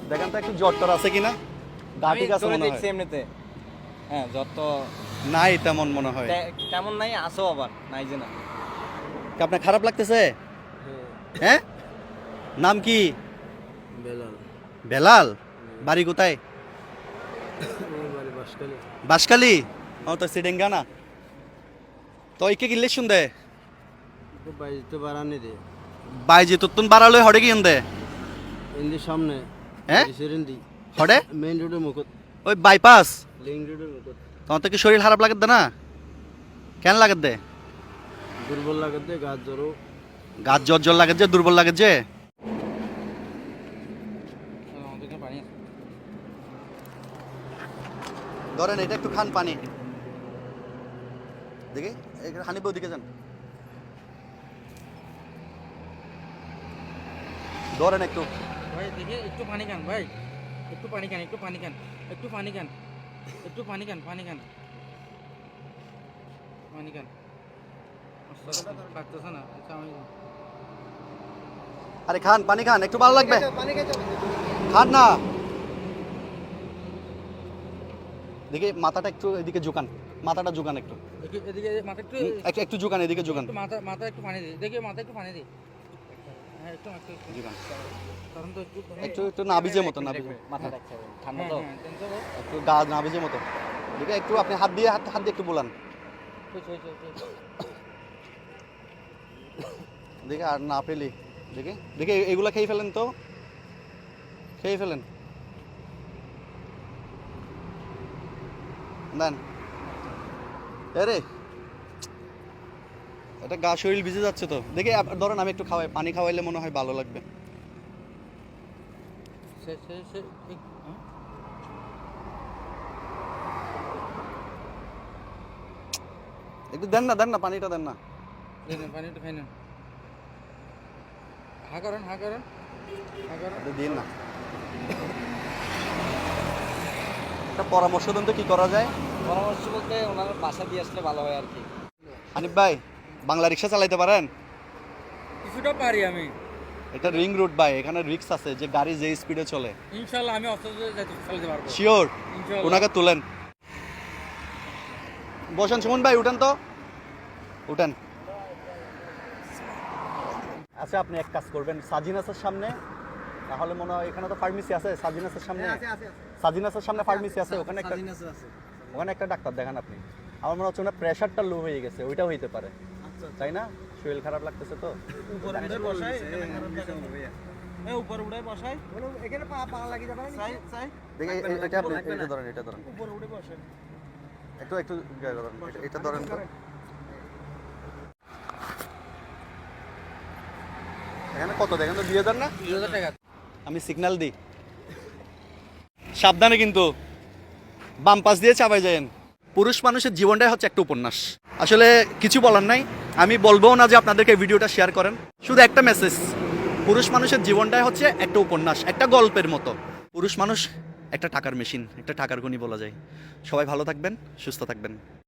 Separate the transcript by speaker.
Speaker 1: দেখেন তো একটু জ্বর আছে কিনা। গা ঠিক আছে মনে হয়।
Speaker 2: এমনিতে হ্যাঁ জ্বর তো
Speaker 1: নাই তেমন মনে হয়।
Speaker 2: তেমন নাই, আসো আবার নাই যে না।
Speaker 1: আপনার খারাপ লাগতেছে? হ্যাঁ, নাম কি?
Speaker 3: বেলাল।
Speaker 1: বেলাল, বাড়ি কোথায়?
Speaker 3: বাড়ি বাসকালী।
Speaker 1: বাসকালী। ও তো সিডেঙ্গা না তো ইকে গিলে শুনদে
Speaker 3: বাইরে তো বাড়ানি দে
Speaker 1: বাইজি তুতুন বাড়ালই হড়ে কি ইন্দে
Speaker 3: ইন্দি সামনে
Speaker 1: হ্যাঁ
Speaker 3: সেরেন্দি
Speaker 1: হড়ে
Speaker 3: মেইন রোডের মুখত
Speaker 1: ওই বাইপাস।
Speaker 3: লিং রোডের মুখত
Speaker 1: তোমার তো কি শরীর খারাপ লাগে না? কেন লাগে দে?
Speaker 3: দুর্বল লাগে দে, গাছ জ্বরও।
Speaker 1: গাছ জ্বর জ্বর লাগে যে, দুর্বল লাগে যে। ধরেন এটা একটু খান পানি দেখি, হানিব ওদিকে যান। ধরেন একটু
Speaker 4: ভাই দেখে একটু পানি খান ভাই, একটু পানি খান, একটু পানি খান, একটু পানি খান, একটু পানি খান, পানি খান, পানি খান। লাগতেছে না? আচ্ছা আমি
Speaker 1: আরে খান পানি খান, একটু ভালো লাগবে। খান না দেখি, মাথাটা একটু এদিকে ঝুকান, মাথাটা ঝুকান একটু,
Speaker 4: এদিকে মাথা একটু
Speaker 1: একটু ঝুকান, এদিকে ঝুকান।
Speaker 4: মাথা মাথা একটু পানি দিই, দেখি মাথা একটু পানি দিই। হ্যাঁ একটু একটু
Speaker 1: ঝুকান
Speaker 4: কারণ তো একটু
Speaker 1: একটু, একটু নাবিজের মতো, নাবিজের
Speaker 2: মাথা রাখতে হবে, ঠান্ডা তো।
Speaker 1: একটু গা নাবিজের মতো দেখে, একটু আপনি হাত দিয়ে হাত দিয়ে একটু বলান দেখে। আর না পেলি দেখে দেখে এগুলা খেয়ে ফেলেন তো, খেয়ে ফেলেন দেন। আরে এটা গা শরীর ভিজে যাচ্ছে তো দেখে, ধরেন আমি একটু খাওয়াই, পানি খাওয়াইলে মনে হয় ভালো লাগবে। একটু দেন না, দেন না, পানিটা দেন না।
Speaker 4: পানি একটু খাই না। হা করেন, হা করেন, হা করেন।
Speaker 1: একটু দিন না। একটা পরামর্শ দেন তো কি করা যায়?
Speaker 2: পরামর্শ বলতে ওনার বাসা দিয়ে আসলে ভালো হয় আর কি।
Speaker 1: হানিফ ভাই, বাংলা রিক্সা চালাইতে পারেন?
Speaker 4: কিছুটা পারি আমি।
Speaker 1: এটা রিং রোড ভাই, এখানে রিক্স আছে যে গাড়ি যে স্পিডে চলে।
Speaker 4: ইনশাআল্লাহ আমি অস্ত্র চালাতে পারবো।
Speaker 1: শিওর?
Speaker 4: ইনশাআল্লাহ।
Speaker 1: ওনাকে তুলেন, বসেন। সুমন ভাই উঠেন তো, উঠেন। আচ্ছা আপনি এক কাজ করবেন, সাজিনাসের সামনে, তাহলে মনে হয় এখানে তো ফার্মেসি আছে, সাজিনাসের সামনে, সাজিনাসের সামনে ফার্মেসি আছে, ওখানে একটা, ওখানে একটা ডাক্তার দেখান আপনি। আমার মনে হচ্ছে ওনার প্রেশারটা লো হয়ে গেছে, ওইটা হইতে পারে, তাই না? শরীর খারাপ লাগতেছে তো।
Speaker 4: উপরে উড়ে বসাই, এখানে পা লাগি যাবে না?
Speaker 1: দেখি এটা আপনি এটা ধরেন, এটা ধরেন,
Speaker 4: উপরে উড়ে বসেন।
Speaker 1: একটু একটু ধরেন, এটা ধরেন তো। এখানে কত দেখেন তো, 2000 না?
Speaker 4: 2000 টাকা।
Speaker 1: আমি সিগন্যাল দিই, সাবধানে কিন্তু, বাম পাশ দিয়ে চাপাই যায়েন। পুরুষ মানুষের জীবনটাই হচ্ছে একটা উপন্যাস। আসলে কিছু বলার নাই, আমি বলবো না যে আপনাদেরকে ভিডিওটা শেয়ার করেন। শুধু একটা মেসেজ, পুরুষ মানুষের জীবনটাই হচ্ছে একটা উপন্যাস, একটা গল্পের মতো। পুরুষ মানুষ একটা টাকার মেশিন, একটা টাকার খনি বলা যায়। সবাই ভালো থাকবেন, সুস্থ থাকবেন।